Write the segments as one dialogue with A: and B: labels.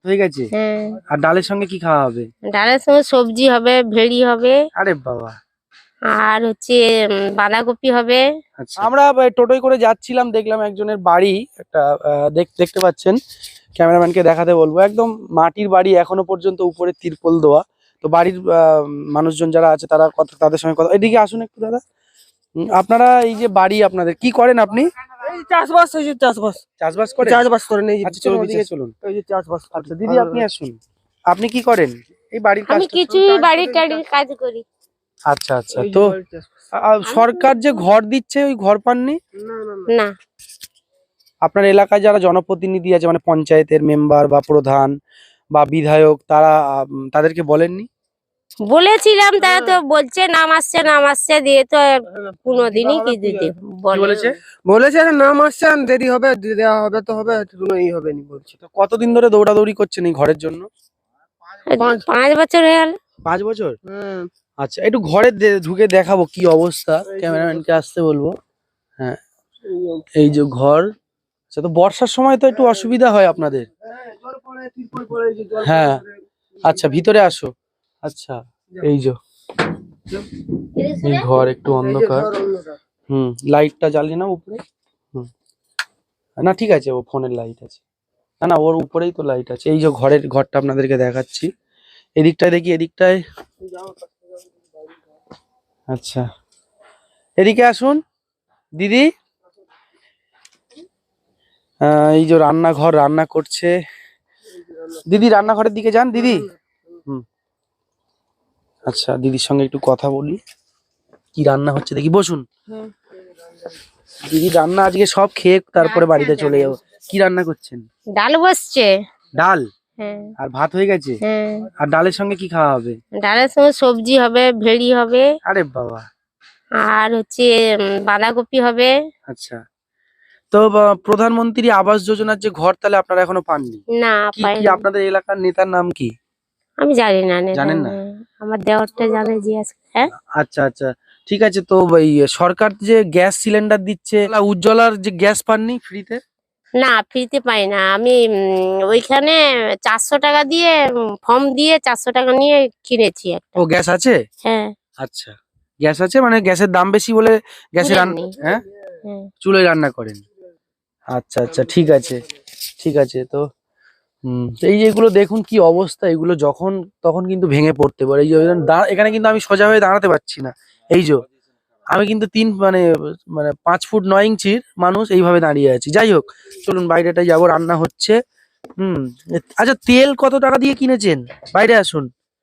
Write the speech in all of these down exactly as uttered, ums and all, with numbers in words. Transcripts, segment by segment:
A: হয়ে গেছে।
B: হ্যাঁ।
A: আর ডালের সঙ্গে কি খাওয়া হবে?
B: ডালের সঙ্গে সবজি হবে, ভেড়ি হবে,
A: আরে বাবা।
B: আর হচ্ছে উম, বাঁধাকপি হবে।
A: আচ্ছা, আমরা আহ, টোটোয় করে যাচ্ছিলাম, দেখলাম একজনের বাড়ি একটা আহ, দেখ- দেখতে পাচ্ছেন, ক্যামেরাম্যানকে দেখাতে বলবো, একদম মাটির বাড়ি, এখনো পর্যন্ত উপরে তিরপল দেওয়া। তো বাড়ির আহ, মানুষজন যারা আছে তারা কথা, তাদের সঙ্গে কথা, এদিকে আসুন একটু দাদা। উম, আপনারা এই যে বাড়ি, আপনাদের কি করেন আপনি?
C: এই চাষবাস, এই যে চাষবাস
A: চাষবাস করেন?
C: চাষবাস করেন, এই যে
A: আচ্ছা চলুন, ওদিকে চলুন।
C: এই যে চাষবাস
A: আচ্ছা
C: করছে।
A: দিদি, আপনি আসুন। আপনি কি করেন এই বাড়ির
B: আমি
A: কাজটা?
B: কিছুই বাড়ির টাড়ির কাজ করি
A: আচ্ছা আচ্ছা।
C: এই যে
A: তো
C: বাড়ির চাষবাস।
A: আহ, সরকার যে ঘর দিচ্ছে, ওই ঘর পাননি?
C: না না না,
B: না।
A: আপনার এলাকায় যারা জনপ্রতিনিধি আছে, মানে পঞ্চায়েতের মেম্বার বা প্রধান বা বিধায়ক, তারা উম, তাদেরকে বলেননি?
B: বলেছিলাম, তারা তো বলছে নাম আসছে নাম আসছে দিয়ে তো আর কোনোদিনই কি দিতে
A: কি
B: বলে।
A: বলেছে?
C: বলেছে যে নাম আসছে, দেরি হবে, দিয়ে দেওয়া হবে, তো হবে, কোনো ই হবে নি বলছে।
A: তো কতদিন ধরে দৌড়াদৌড়ি করছেন এই ঘরের জন্য?
B: পাঁচ পাঁচ বছর হয়ে গেল।
A: পাঁচ বছর।
C: হ্যাঁ,
A: আচ্ছা, একটু ঘরে দে- ঢুকে দেখাবো কি অবস্থা, ক্যামেরাম্যানকে আসতে বলবো। হ্যাঁ, এই যে ঘর। আচ্ছা, তো বর্ষার সময় তো একটু অসুবিধা হয় আপনাদের।
C: জল পড়ে, তিরপল পড়ে, এই যে জল
A: হ্যাঁ।
C: পড়ে।
A: আচ্ছা, ভিতরে আসো। আচ্ছা, এই যে এই ঘর একটু
C: এই যে
A: অন্ধকার।
C: ঘর অন্ধকার।
A: হুম, লাইটটা জ্বালিয়ে না উপরে। হুম, না ঠিক আছে, ও ফোনের লাইট আছে। না না, ওর উপরেই তো লাইট আছে। এই যে ঘরের ঘরটা আপনাদেরকে দেখাচ্ছি, এদিকটায় দেখি, এদিকটায়। আচ্ছা, এদিকে আসুন দিদি। আহ, এই যে রান্নাঘর, রান্না করছে দিদি, রান্নাঘরের দিকে যান দিদি। হুম। আচ্ছা, দিদির সঙ্গে একটু কথা বলি, কি রান্না হচ্ছে দেখি, বসুন।
B: হুম।
A: দিদি রান্না আজকে সব খেয়ে তারপরে বাড়িতে চলে যাবো। কি রান্না করছেন?
B: ডাল বসছে।
A: ডাল
B: হ্যাঁ।
A: আর ভাত হয়ে গেছে।
B: হ্যাঁ।
A: আর ডালের সঙ্গে কি খাওয়া হবে?
B: ডালের সঙ্গে সবজি হবে, ভেড়ি হবে,
A: আরে বাবা।
B: আর হচ্ছে উম, বাঁধাকপি হবে।
A: আচ্ছা, তো বা- প্রধানমন্ত্রী আবাস যোজনার যে ঘর, তাহলে আপনারা এখনো পাননি?
B: না,
A: কি
B: পাই
A: কি
B: না।
A: আপনাদের এলাকার নেতার নাম কি?
B: আমি জানি না নেতা।
A: জানেন না?
B: হ্যাঁ, আমার দেওরটা জানে জিজ্ঞাসা। হ্যাঁ।
A: আচ্ছা আচ্ছা, ঠিক আছে। তো এই সরকার যে গ্যাস সিলিন্ডার দিচ্ছে, উজ্জ্বলার যে গ্যাস পাননি ফ্রিতে?
B: না, ফ্রিতে পাই না আমি। উম, ওইখানে চারশো টাকা দিয়ে ফর্ম দিয়ে চারশো টাকা নিয়ে কিনেছি একটা।
A: ও গ্যাস আছে?
B: হ্যাঁ।
A: আচ্ছা, গ্যাস আছে, মানে গ্যাসের দাম বেশি বলে গ্যাসে
B: তুলে
A: রান্না,
B: নি।
A: হ্যাঁ,
B: হ্যাঁ।
A: চুলোয় রান্না করেন। আচ্ছা আচ্ছা, ঠিক আছে ঠিক আছে। তো হুম, তো এই যে এগুলো দেখুন কি অবস্থা, এগুলো যখন তখন কিন্তু ভেঙে পড়তে পারে। এই যে দা- এখানে কিন্তু আমি সোজা হয়ে দাঁড়াতে পারছি না। এই যে আমি কিন্তু তিন মানে মানে পাঁচ ফুট নয় ইঞ্চির মানুষ, এইভাবে দাঁড়িয়ে আছি। যাই হোক, চলুন বাইরেটায় যাবো, রান্না হচ্ছে। হুম। আচ্ছা, তেল কত টাকা দিয়ে কিনেছেন? বাইরে আসুন।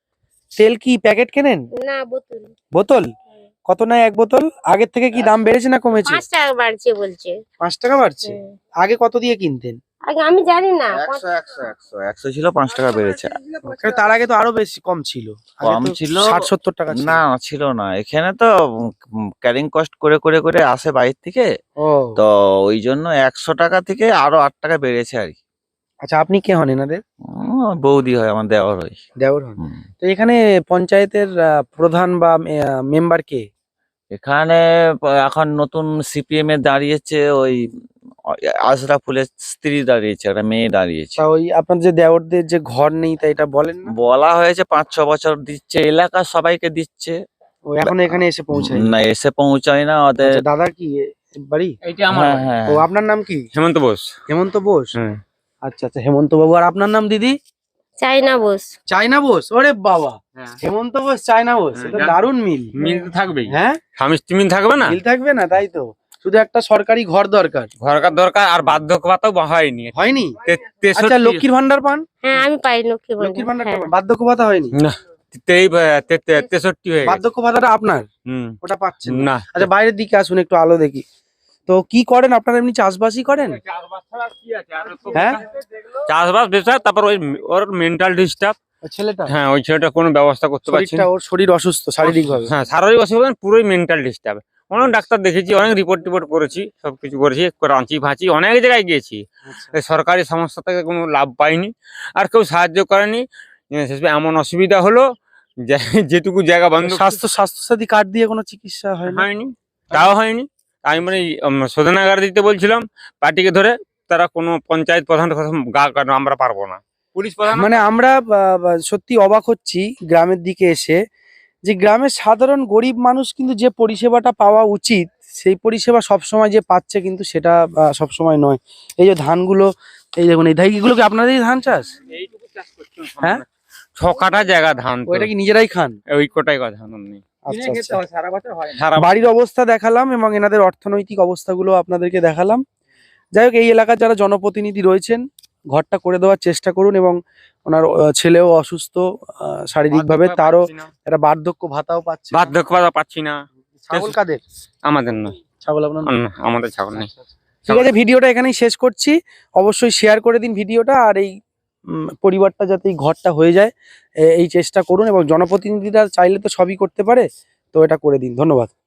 A: তেল কি প্যাকেট কেনেন?
B: না, বোতল।
A: বোতল কত নেয় এক বোতল? আগের থেকে কি দাম বেড়েছে না কমেছে?
B: পাঁচ টাকা বাড়ছে বলছে।
A: পাঁচ টাকা বাড়ছে।
B: হ্যাঁ।
A: আগে কত দিয়ে কিনতেন?
B: আগে আমি জানি না।
D: একশো একশো একশো একশো ছিল, পাঁচ টাকা বেড়েছে।
A: কারণ তার আগে তো আরো বেশি কম ছিল। আগে
D: কম
A: তো
D: ছিল।
A: ষাট সত্তর টাকা ছিল।
D: না, ছিল না এখানে তো। ক্যারিং কস্ট করে করে করে আসে বাইরে থেকে,
A: ও
D: তো ওই জন্য একশো টাকা থেকে আরো আট টাকা বেড়েছে আর কি।
A: আচ্ছা, আপনি কে হন এনাদের?
D: উম, বৌদি হয়, আমার দেওয়ার হয়।
A: দেওর হন।
D: হুম।
A: তো এখানে পঞ্চায়েতের আহ, প্রধান বা মেম্বার কে?
D: এখানে প- এখন নতুন সিপিএম এ দাঁড়িয়েছে ওই আশরাফুলের স্ত্রী দাঁড়িয়েছে, একটা মেয়ে দাঁড়িয়েছে।
A: তা ওই আপনার যে দেওরদের যে ঘর নেই, তা এটা বলেন না?
D: বলা হয়েছে পাঁচ ছ বছর দিচ্ছে, এলাকার সবাইকে দিচ্ছে।
A: ও এখন এখানে এসে পৌঁছায়?
D: না, এসে পৌঁছায় না ওদের।
A: আচ্ছা, দাদার কি এ, বাড়ি?
E: এইটা আমার
D: হ্যাঁ
E: বাড়ি।
D: হ্যাঁ
A: ও আপনার নাম কি?
E: হেমন্ত বোস।
A: হেমন্ত বোস।
E: হ্যাঁ।
A: আচ্ছা আচ্ছা, হেমন্ত বাবু। আর আপনার নাম দিদি?
B: চাইনা বোস।
A: চায়না বোস। ওরে বাবা,
E: হ্যাঁ।
A: হেমন্ত বোস চায়না বোস,
E: হ্যাঁ,
A: এটা
E: জান-
A: দারুণ মিল।
E: মিল তো থাকবেই।
A: হ্যাঁ,
E: স্বামী স্ত্রী মিল থাকবে না।
A: মিল থাকবে না, তাই তো। শুধু একটা সরকারি ঘর দরকার।
E: ঘরকার দরকার, আর বার্ধক্য ভাতাও হয়নি।
A: হয়নি?
E: তে-
A: আচ্ছা,
E: তেষট্টি-
A: লক্ষ্মীর ভান্ডার পান?
B: হ্যাঁ, আমি পাই লক্ষ্মী
A: লক্ষ্মীর
B: ভান্ডার।
A: ভান্ডারটা
B: হ্যাঁ।
A: পান, বার্ধক্য ভাতা হয়নি?
E: না, তেই তে- তে- তেষট্টি হয়ে গেছে।
A: বার্ধক্য ভাতাটা আপনার,
E: হুম।
A: ওটা পাচ্ছেন না।
E: না।
A: আচ্ছা, বাইরের দিকে আসুন, একটু আলো দেখি। তো কি করেন আপনারা? এমনি চাষবাসই করেন? হ্যাঁ,
E: চাষবাস বেচার, তারপর ওই ওর মেন্টাল ডিস্টার্ব।
A: ওই ছেলেটা,
E: হ্যাঁ, ওই ছেলেটা কোনো ব্যবস্থা করতে পারছি না।
A: শরীরটা, ওর শরীর অসুস্থ শারীরিক ভাবে।
E: হ্যাঁ, শারীরিক অসুবিধা না, পুরোই মেন্টাল ডিস্টার্ব। অনেক ডাক্তার দেখেছি, অনেক রিপোর্ট টিপোর্ট করেছি, সবকিছু করেছি, রাঁচি ফাঁচি অনেক জায়গায় গিয়েছি। এই সরকারি সংস্থা থেকে কোনো লাভ পাইনি, আর কেউ সাহায্য করেনি। এ, শেষে এমন অসুবিধা হলো যে যেটুকু জায়গা বন্ধ
A: স্বাস্থ্য স্বাস্থ্যসাথী কার্ড দিয়ে কোনো চিকিৎসা হয় না?
E: হয়নি, তাও হয়নি। আমি মানে উম, শোধনাগার দিতে বলছিলাম পার্টিকে ধরে, তারা কোনো পঞ্চায়েত প্রধান কথা গা কাটে, আমরা পারবো না। পুলিশ প্রধান
A: মানে আমরা আহ, আহ, সত্যি অবাক হচ্ছি গ্রামের দিকে এসে, যে গ্রামের সাধারণ গরিব মানুষ কিন্তু যে পরিষেবাটা পাওয়া উচিত সেই পরিষেবা সবসময় যে পাচ্ছে কিন্তু সেটা আহ, সবসময় নয়। এই যে ধানগুলো, এই দেখুন এই ধান, এগুলো কি আপনাদেরই ধান চাষ?
E: এইটুকু চাষ করছি
A: হ্যাঁ?
E: ছ কাঠা জায়গা ধান তো।
A: ওইটা কি নিজেরাই খান?
E: ওই কোটাই কথা ধান নেই
A: আচ্ছা আচ্ছা।
E: সারা
A: বাড়ির অবস্থা দেখালাম এবং এনাদের অর্থনৈতিক অবস্থাগুলো আপনাদেরকে দেখালাম। যাই হোক, এই এলাকার যারা জনপ্রতিনিধি রয়েছেন ঘরটা করে দেওয়ার চেষ্টা করুন, এবং ওনার আহ, ছেলেও অসুস্থ আহ, শারীরিকভাবে, তারও একটা বার্ধক্য ভাতাও পাচ্ছে না।
E: বার্ধক্য ভাতা পাচ্ছি না।
A: ছাগল কাদের?
E: আমাদের নয়,
A: ছাগল আপনার?
E: না, আমাদের ছাগল নেই।
A: ঠিক আছে, ভিডিওটা এখানেই শেষ করছি। অবশ্যই শেয়ার করে দিন ভিডিওটা, আর এই উম, পরিবারটা যাতে এই ঘরটা হয়ে যায় এ- এই চেষ্টা করুন, এবং জনপ্রতিনিধিরা চাইলে তো সবই করতে পারে, তো এটা করে দিন। ধন্যবাদ।